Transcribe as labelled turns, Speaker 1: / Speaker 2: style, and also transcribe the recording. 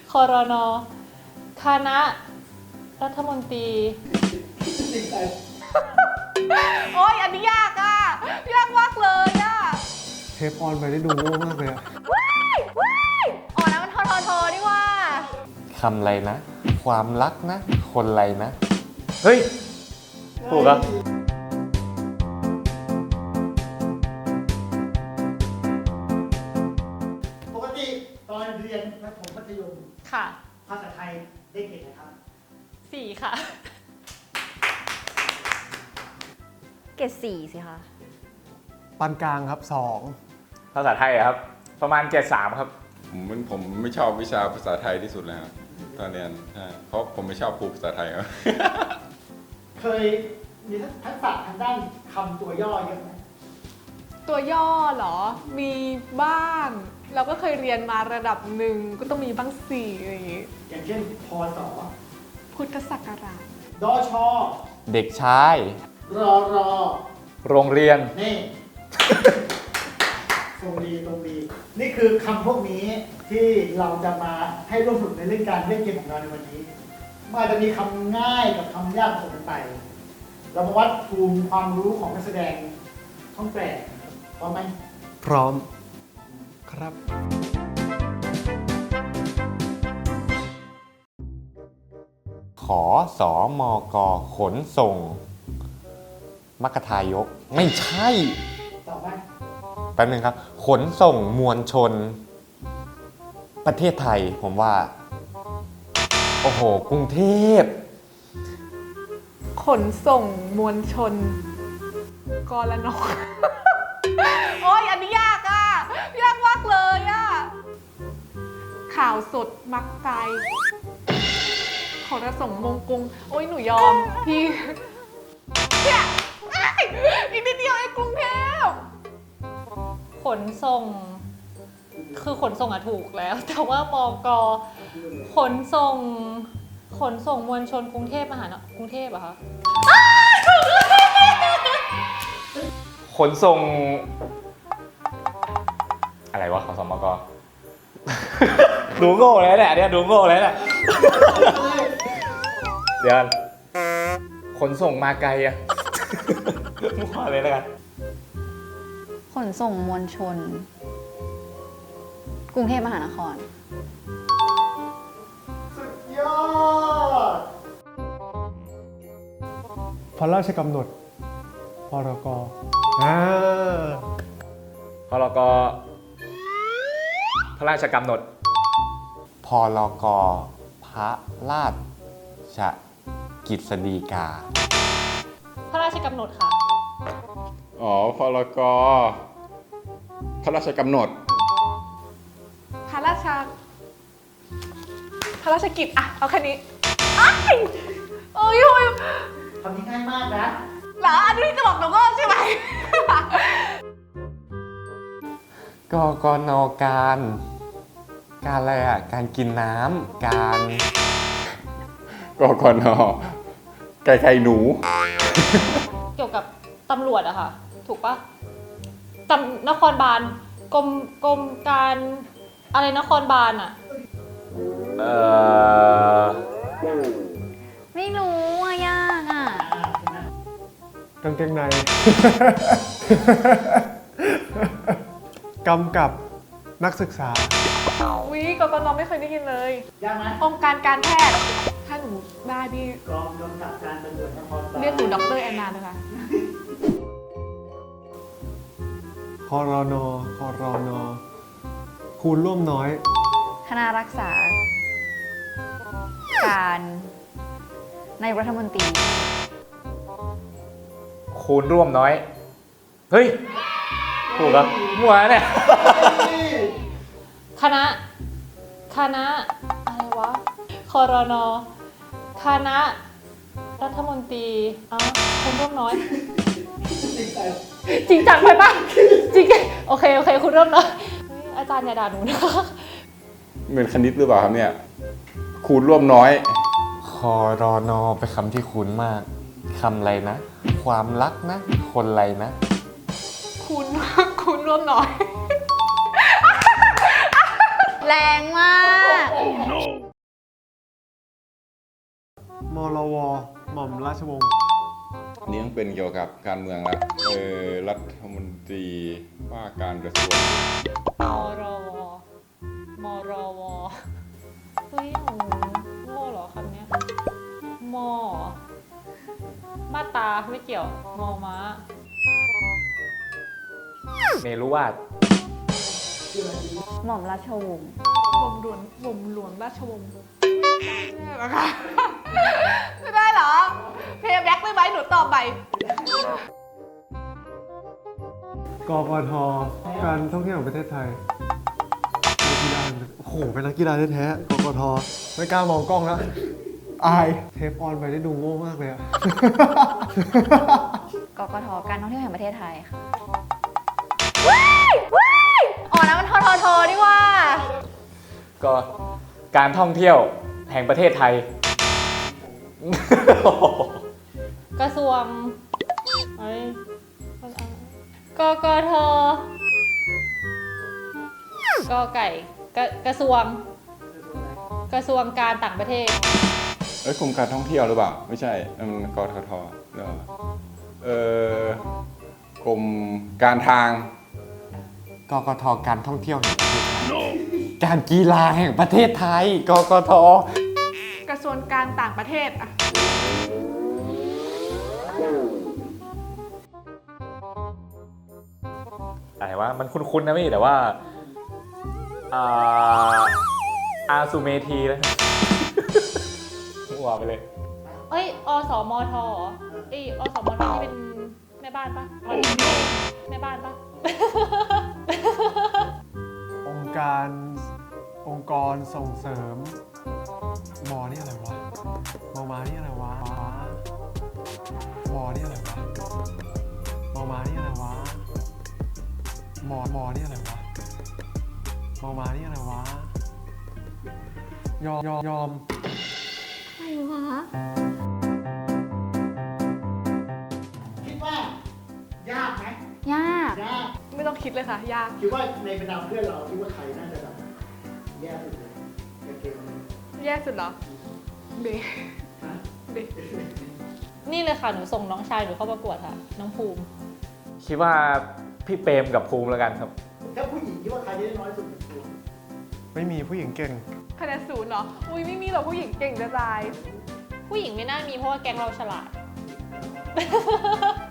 Speaker 1: ครนคณะรัฐมนตรีโอ้ยอันนี้ยากอ่ะยากมากเลยอ่ะ
Speaker 2: เทปออนไปได้ดูโง่มากเลยอะ
Speaker 1: ว้ายอ๋อนะมันทอนี่ว่า
Speaker 3: คำอะไรนะ ความรักนะ คนอะไรนะ เฮ้ย ถูกอ่ะ
Speaker 4: ปกติตอนเรียนประถมมัธยม
Speaker 1: ค่ะ
Speaker 4: ภาษาไทยได้เกรดอะไรครับ
Speaker 1: 4 ค่ะ
Speaker 5: เกรด4สิคะ
Speaker 2: ปานกลางครับ
Speaker 3: ภาษาไทยอะครับ ประมาณ73ครับ
Speaker 6: ผมไม่ชอบวิชาภาษาไทยที่สุดเลยครับตอนเรียนใช่เพราะผมไม่ชอบครูภาษาไทยครับ
Speaker 4: เคยมีทักษะทางด้านคำตัวย่อเยอะไหม
Speaker 7: ตัวย่อเหรอ มีบ้าง เราก็เคยเรียนมาระดับหนึ่งก็ต้องมีบ้างสี่อะไรอย่างงี้
Speaker 4: อย่างเช่นพศ
Speaker 7: พุทธศักราช
Speaker 4: ดช
Speaker 3: เด็กชาย
Speaker 4: รร
Speaker 3: โรงเรียน
Speaker 4: นี่ ตรงดี นี่คือคำพวกนี้ที่เราจะมาให้ร่วมสนุกในเรื่องการเล่นเกมของเราในวันนี้มันอาจจะมีคำง่ายกับคำยากผสมกันไป เรามาวัดภูมิความรู้ของนักแสดงช่องแปดพร้อมไหม
Speaker 2: พร้อมครับ
Speaker 3: ขอสอมกขนส่ง มัคคทายก ไม่ใช่
Speaker 4: ตอบไหม
Speaker 3: แป๊บนึงครับ ขนส่งมวลชน ประเทศไทย ผมว่า โอ้โห กรุงเทพ
Speaker 7: ขนส่งมวลชน กรน โอ้ยอันนี้ยากอ่ะ ยากมากเลยอ่ะ ข่าวสดมักใจขนส่งมงกรุง โอ้ยหนูยอม พี่เนี่ยอีกนิดเดียวไอ้กรุงเทพ
Speaker 1: ขนส่ง คือขนส่งอะถูกแล้ว แต่ว่ามกขนส่ง ขนส่งมวลชนกรุงเทพมหานครกรุงเทพเหรอคะ
Speaker 3: ขนส่ง อะไรวะขอสมก ดูโง่เลยเนี่ยดูโง่เลยเนี่ย เดี๋ยวขนส่งมาไกลอะ มั่วเลยแล้วกัน
Speaker 5: ขนส่งมวลชน กรุงเทพมหานคร
Speaker 4: สุดยอด
Speaker 2: พระราชกำหนด พรก
Speaker 3: พรกพระราชกำหนด พรกพระราชกฤษฎีกา
Speaker 1: พระราชกำหนดค่ะ
Speaker 6: อ๋อพรกพระราชกำหนด
Speaker 7: พระราชกิจอะเอาแค่นี้อ้ายโอ้ยโอ้ย
Speaker 4: คำนี้ง่ายมากนะ
Speaker 7: เหรออันนี้จะบอกหนูก็ใช่ไหม
Speaker 3: กกนการอะไรอ่ะ การกินน้ำการ
Speaker 6: กกนไก่หนู
Speaker 1: เกี่ยวกับตำรวจอะค่ะ ถูกปะนครบาลกรมการอะไรนครบาลอะ
Speaker 5: ไม่รู้อ่ะ ยากอ่ะ
Speaker 2: กางเกงใน กำกับนักศึกษา
Speaker 7: วิกกนไม่เคยได้ยินเลย
Speaker 4: ยากไหม
Speaker 7: องค์การการแพทย์ ถ้าหนูได้พี่
Speaker 4: กองกำกับการตำรวจนครบาล
Speaker 7: เรียกหนูด็อกเตอร์แอนนาเลยค่ะ
Speaker 2: ครนคูณร่วมน้อย
Speaker 5: คณะรักษา การนายกรัฐมนตรี
Speaker 3: คูณร่วมน้อย เฮ้ย ถูกเหรอมั่วเนี่ย
Speaker 1: คณะอะไรวะครนคณะรัฐมนตรีคนร่วมน้อย จริงจังไปปะจริงโอเคคุณร่วมน้อยเฮ้ยอาจารย์อย่าด่าหนูนะ
Speaker 6: เหมือนคณิตหรือเปล่าครับเนี่ย คูณร่วมน้อย
Speaker 3: ครนเป็นคำที่คุ้นมาก คำอะไรนะ ความรักนะ คนอะไรนะ
Speaker 7: คุณร่วมน้อย
Speaker 5: แรงมาก
Speaker 6: no
Speaker 2: มรว หม่อมราชวงศ์
Speaker 6: อันนี้ต้องเป็นเกี่ยวกับการเมืองละรัฐมนตรีว่าการกระทรวง
Speaker 1: มรว มรว เฮ้ยหนูโง่เหรอคำเนี้ยมอมาตราไม่เกี่ยว มอม้า
Speaker 3: เมรุวาท
Speaker 5: หม่อมราชวงศ์
Speaker 7: บ่มหลวงราชวงศ์ไม่ได้เหรอคะไม่ได้เหรอ เพย์แบ็กได้ไหมหนูตอบใหม่
Speaker 2: กกท การท่องเที่ยวแห่งประเทศไทยนักกีฬาโอ้โห เป็นนักกีฬาแท้ๆกกท ไม่กล้ามองกล้องแล้ว อาย เทปออนไปได้ดูโง่มากเลยอะ
Speaker 5: กกท การท่องเที่ยวแห่งประเทศไทยค่ะอ๋อนะมันทททนี่ว่า
Speaker 3: ก็การท่องเที่ยวแห่งประเทศไทย
Speaker 1: กระทรวงเอ้ยกกทกไก่กระทรวง กระทรวงการต่างประเทศ
Speaker 6: กรมการท่องเที่ยวหรือเปล่า ไม่ใช่นั่นมันกททหรือเปล่ากรมการทาง
Speaker 3: กกทการท่องเที่ยวแห่งประเทศไทย การกีฬาแห่งประเทศไทย กกท
Speaker 7: กระทรวงการต่างประเทศอะ
Speaker 3: อะไรวะมันคุ้นๆนะพี่แต่ว่าอาซูเมทีนะ มั่วไปเลย
Speaker 1: เอ้ย อสมทเหรอเอ้ยอสมทที่เป็นแม่บ้านปะแม่บ้านปะ
Speaker 2: องค์กรส่งเสริมมอนี่อะไรวะมอมานี่อะไรวะมอนี่อะไรวะมอมานี่อะไรวะมอนี่อะไรวะมอมานี่อะไรวะยอม
Speaker 5: อะไรวะ
Speaker 4: คิดว่ายากไหม
Speaker 5: ยาก
Speaker 4: ยาก
Speaker 7: ไม่ต้องคิดเลยค่ะ ยาก
Speaker 4: คิดว่าในบรรดาเพื่อนเราคิดว่าใครน่าจะแบบแย่สุดเลยในเกมนี้
Speaker 7: แย่สุดเหรอ เบ
Speaker 4: ฮะ
Speaker 7: เบ
Speaker 1: นี่เลยค่ะ หนูส่งน้องชายหนูเข้าประกวดค่ะ น้องภูมิ
Speaker 3: คิดว่าพี่เปรมกับภูมิแล้วกันครับ
Speaker 4: ถ้าผู้หญิงคิดว่าใครได้น้อยสุดในตัว
Speaker 2: ไม่มีผู้หญิงเก่ง
Speaker 7: คะแนนศูนย์เหรอ อุ้ยไม่มีหรอกผู้หญิงเก่งจะตาย
Speaker 1: ผู้หญิงไม่น่ามีเพราะว่าแก๊งเราฉลาด